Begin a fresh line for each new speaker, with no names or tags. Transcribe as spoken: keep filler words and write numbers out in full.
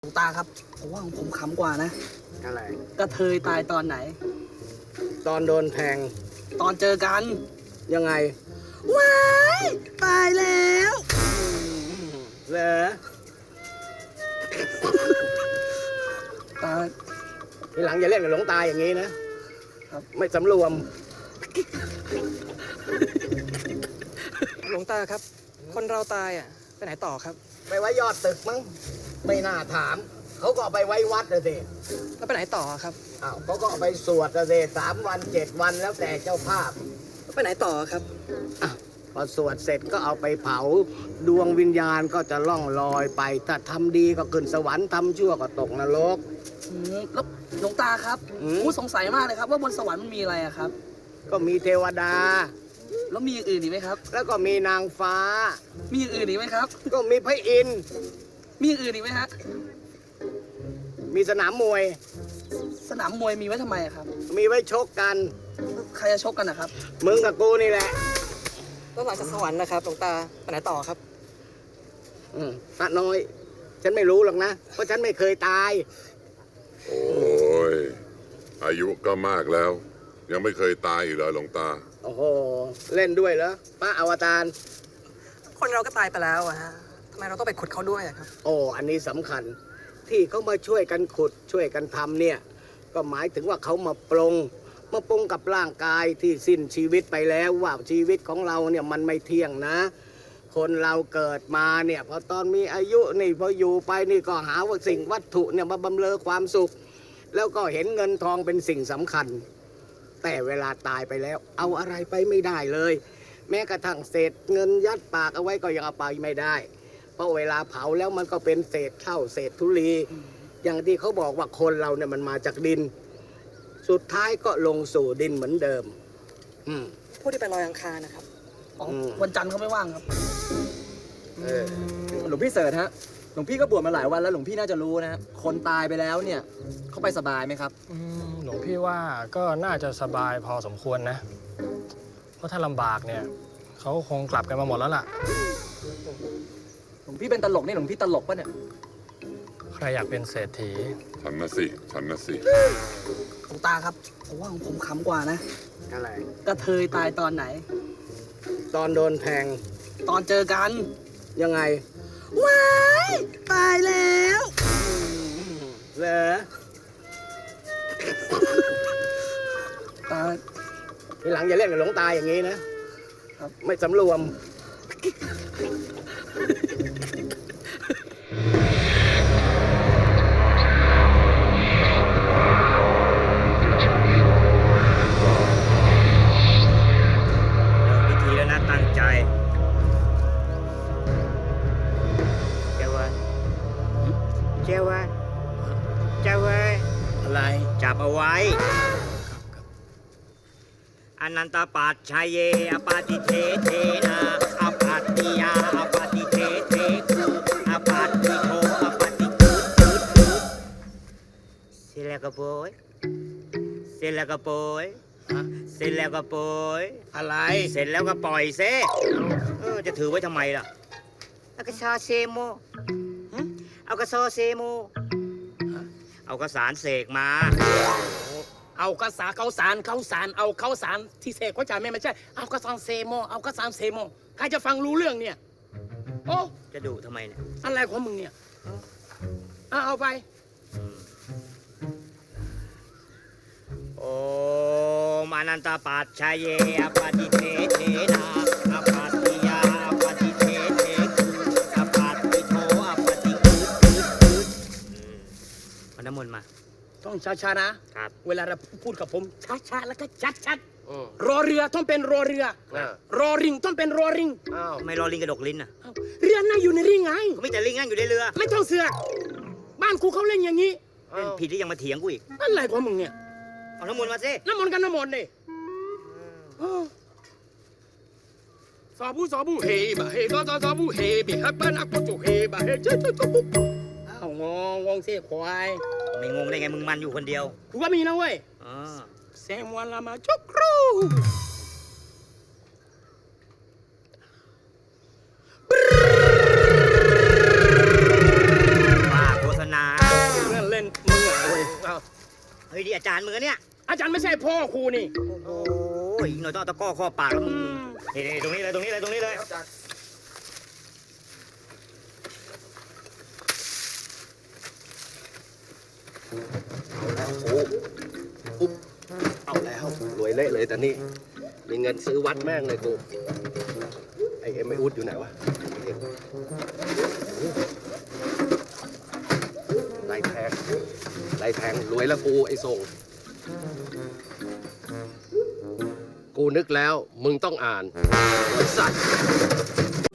หลวงตาครับผมว่าของผมขำกว่านะ
อะไร
กระเทยตายตอนไหน
ตอนโดนแทง
ตอนเจอกัน
ยังไง
ว้ายตายแล้ว
เหรอ
ตาย
ทีหลังอย่าเล่นกับหลวงตาอย่างนี้นะครับไม่สำรวม
หลวงตาครับ คนเราตายอ่ะไปไหนต่อครับ
ไปไว้ยอดตึกมั้งไม่น่าถามเขาก็เอาไปไว้วัดเลยสิ
แล้วไปไหนต่อครับ
อ้าวเขาก็เอาไปสวดเลยสิสามวันเจ็ดวันแล้วแต่เจ้าภาพ
แล้วไปไหนต่อครับ
อ้าวพอสวดเสร็จก็เอาไปเผาดวงวิญญาณก็จะล่องลอยไปถ้าทำดีก็ขึ้นสวรรค์ทำชั่วก็ตกนรก
แล้วหลวงตาครับผมสงสัยมากเลยครับว่าบนสวรรค์มันมีอะไรอะครับ
ก็มีเทวดา
แล้วมีอย่างอื่นอีกไหมครับ
แล้วก็มีนางฟ้า
มีอย่างอื่นอีกไหมครับ
ก็มีพระอินทร์
มีอย่างอื่นอีกไหมฮะ
มีสนามมวย
สนามมวยมีไว้ทำไมครับ
มีไว้ชกกัน
ใครจะชกกันนะครับ
มึงกับกูนี่แหละ
แล้วหลังจากสวรรค์นะครับหลวงตาไปไหนต่อครับ
อืมพระน้อยฉันไม่รู้หรอกนะเพราะฉันไม่เคยตาย
โอ้ยอายุก็มากแล้วยังไม่เคยตายอีกเหรอหลวงตา
โอ้โหเล่นด้วยเหรอพระอวตาร
คนเราก็ตายไปแล้วอะฮะทำไมเราต้องไปขุดเขาด้วยครับ
โอ้อันนี้สำคัญที่เขามาช่วยกันขุดช่วยกันทำเนี่ยก็หมายถึงว่าเขามาปรงมาปรงกับร่างกายที่สิ้นชีวิตไปแล้วว่าชีวิตของเราเนี่ยมันไม่เที่ยงนะคนเราเกิดมาเนี่ยพอตอนมีอายุนี่พออยู่ไปนี่ก็หาว่าสิ่งวัตถุเนี่ยมาบำเรอความสุขแล้วก็เห็นเงินทองเป็นสิ่งสำคัญแต่เวลาตายไปแล้วเอาอะไรไปไม่ได้เลยแม้กระทั่งเศษเงินยัดปากเอาไว้ก็ยังเอาไปไม่ได้เพราะเวลาเผาแล้วมันก็เป็นเศษเท่าเศษธุลีอย่างที่เขาบอกว่าคนเราเนี่ยมันมาจากดินสุดท้ายก็ลงสู่ดินเหมือนเดิม
ผู้ที่ไปลอยอังคารนะครับวันจันทร์เขาไม่ว่างครับ
หลวงพี่เสิร์ชฮะหลวงพี่ก็บวชมาหลายวันแล้วหลวงพี่น่าจะรู้นะคนตายไปแล้วเนี่ยเขาไปสบายไหมครับ
หลวงพี่ว่าก็น่าจะสบายพอสมควรนะเพราะถ้าลำบากเนี่ยเขาคงกลับกันมาหมดแล้วล่ะ
หลวงพี่เป็นตลกนี่หลวงพี่ตลกปะเนี่ย
ใครอยากเป็นเศรษฐี
ฉันนะสิฉันนะสิ
หลวงตาครับผมว่าของผมขำกว่านะ
อะไร
กระเทยตายตอนไหน
ตอนโดนแทง
ตอนเจอกัน
ยังไง
ว้ายตายแล้ว
เหรอ
ตาย
ทีหลังอย่าเล่นกับหลวงตาอย่างนี้นะครับไม่สำรวม
พิธีแล้วนะตั้งใจเจ้าวันเจ้าวันเจ้าวัน
อะไร
จับเอาไว้อนันตปัจชัยเยอปาติเทเทนาอปัตติยาอปาติเทเทคูอปัตติโทอปาติกูดกูดกูดเสร็จแล้วก็โปยเสร็จแล้วก็โปยเสร็จแล้วก็โปย
อะไร
เสร็จแล้วก็ปล่อยเซ่เออจะถือไว้ทำไมล่ะเอากระชาเซโมเอากระซอเซโมเอากระสารเสกมา
เอากระสาเขาสารเขาสารเอาเขาสารที่เสกเขาจ่ายไม่ไม่ใช่เอากระสานเซโมเอากระสานเซโมใครจะฟังรู้เรื่องเนี่ยโอ้
จะดุทำไมเนี่ย
อะไรของมึงเนี่ยเอาเอาไป
โอ้มานันตปัจชัยเยอปาติเทเทนาอปัตติยาอปาติเทเทคูอปัตติโทอปาติกูดกูดกูดเอาน้ำมนต์มา
ต้องช้าๆนะครับเวลาเราพูดกับผมช้าๆแล้วก็ชัดๆรอเรือต้องเป็นรอเรือรอริงต้องเป็นรอริง
ทำไมรอลิงกระดกลิ้นอ่ะ
เรือน่าอยู่ในริงไง
ก็ไม่แต่ลิงนั่งอยู่ในเรือ
ไม่ต้องเสือกบ้านกูเขาเล่นอย่างนี้
เล่นผิดที่ยังมาเถียงกูอีก
อะไรของมึงเนี่ย
เอาน้ำมนต์มาสิ
น้ำมนต์กันน้ำมนต์ดิสาบูสาบูเฮบะเฮก็สาบูเฮบิฮับบ้านอักโจเฮบะเฮเจ้าเจ้าเจ้าปุ๊บอ้าวงงงงเสียควาย
ไม่งงได้ไงมึงมันอยู่คนเดียว
กูก็มีนะเว้ยเซมวันละมาจุกรู
ว่าโฆษณาเฮ้ยนี่อาจารย์มึงอะเนี่ย
อาจารย์ไม่ใช่พ่อครูนี่
โอ้ยอีกหน่อยต้องเอาตะกร้อข้อปากแล้วมึงนี่นี่ตรงนี้เลยตรงนี้เลยตรงนี้เลย
เอาแล้วรวยเละเลยแต่นี่มีเงินซื้อวัดแม่งเลยกูไอเอ็มไออุดอยู่ไหนวะเอ็มไรแทงไรแทงรวยแล้วกูไอส่งกูนึกแล้วมึงต้องอ่านไอ้สัตว์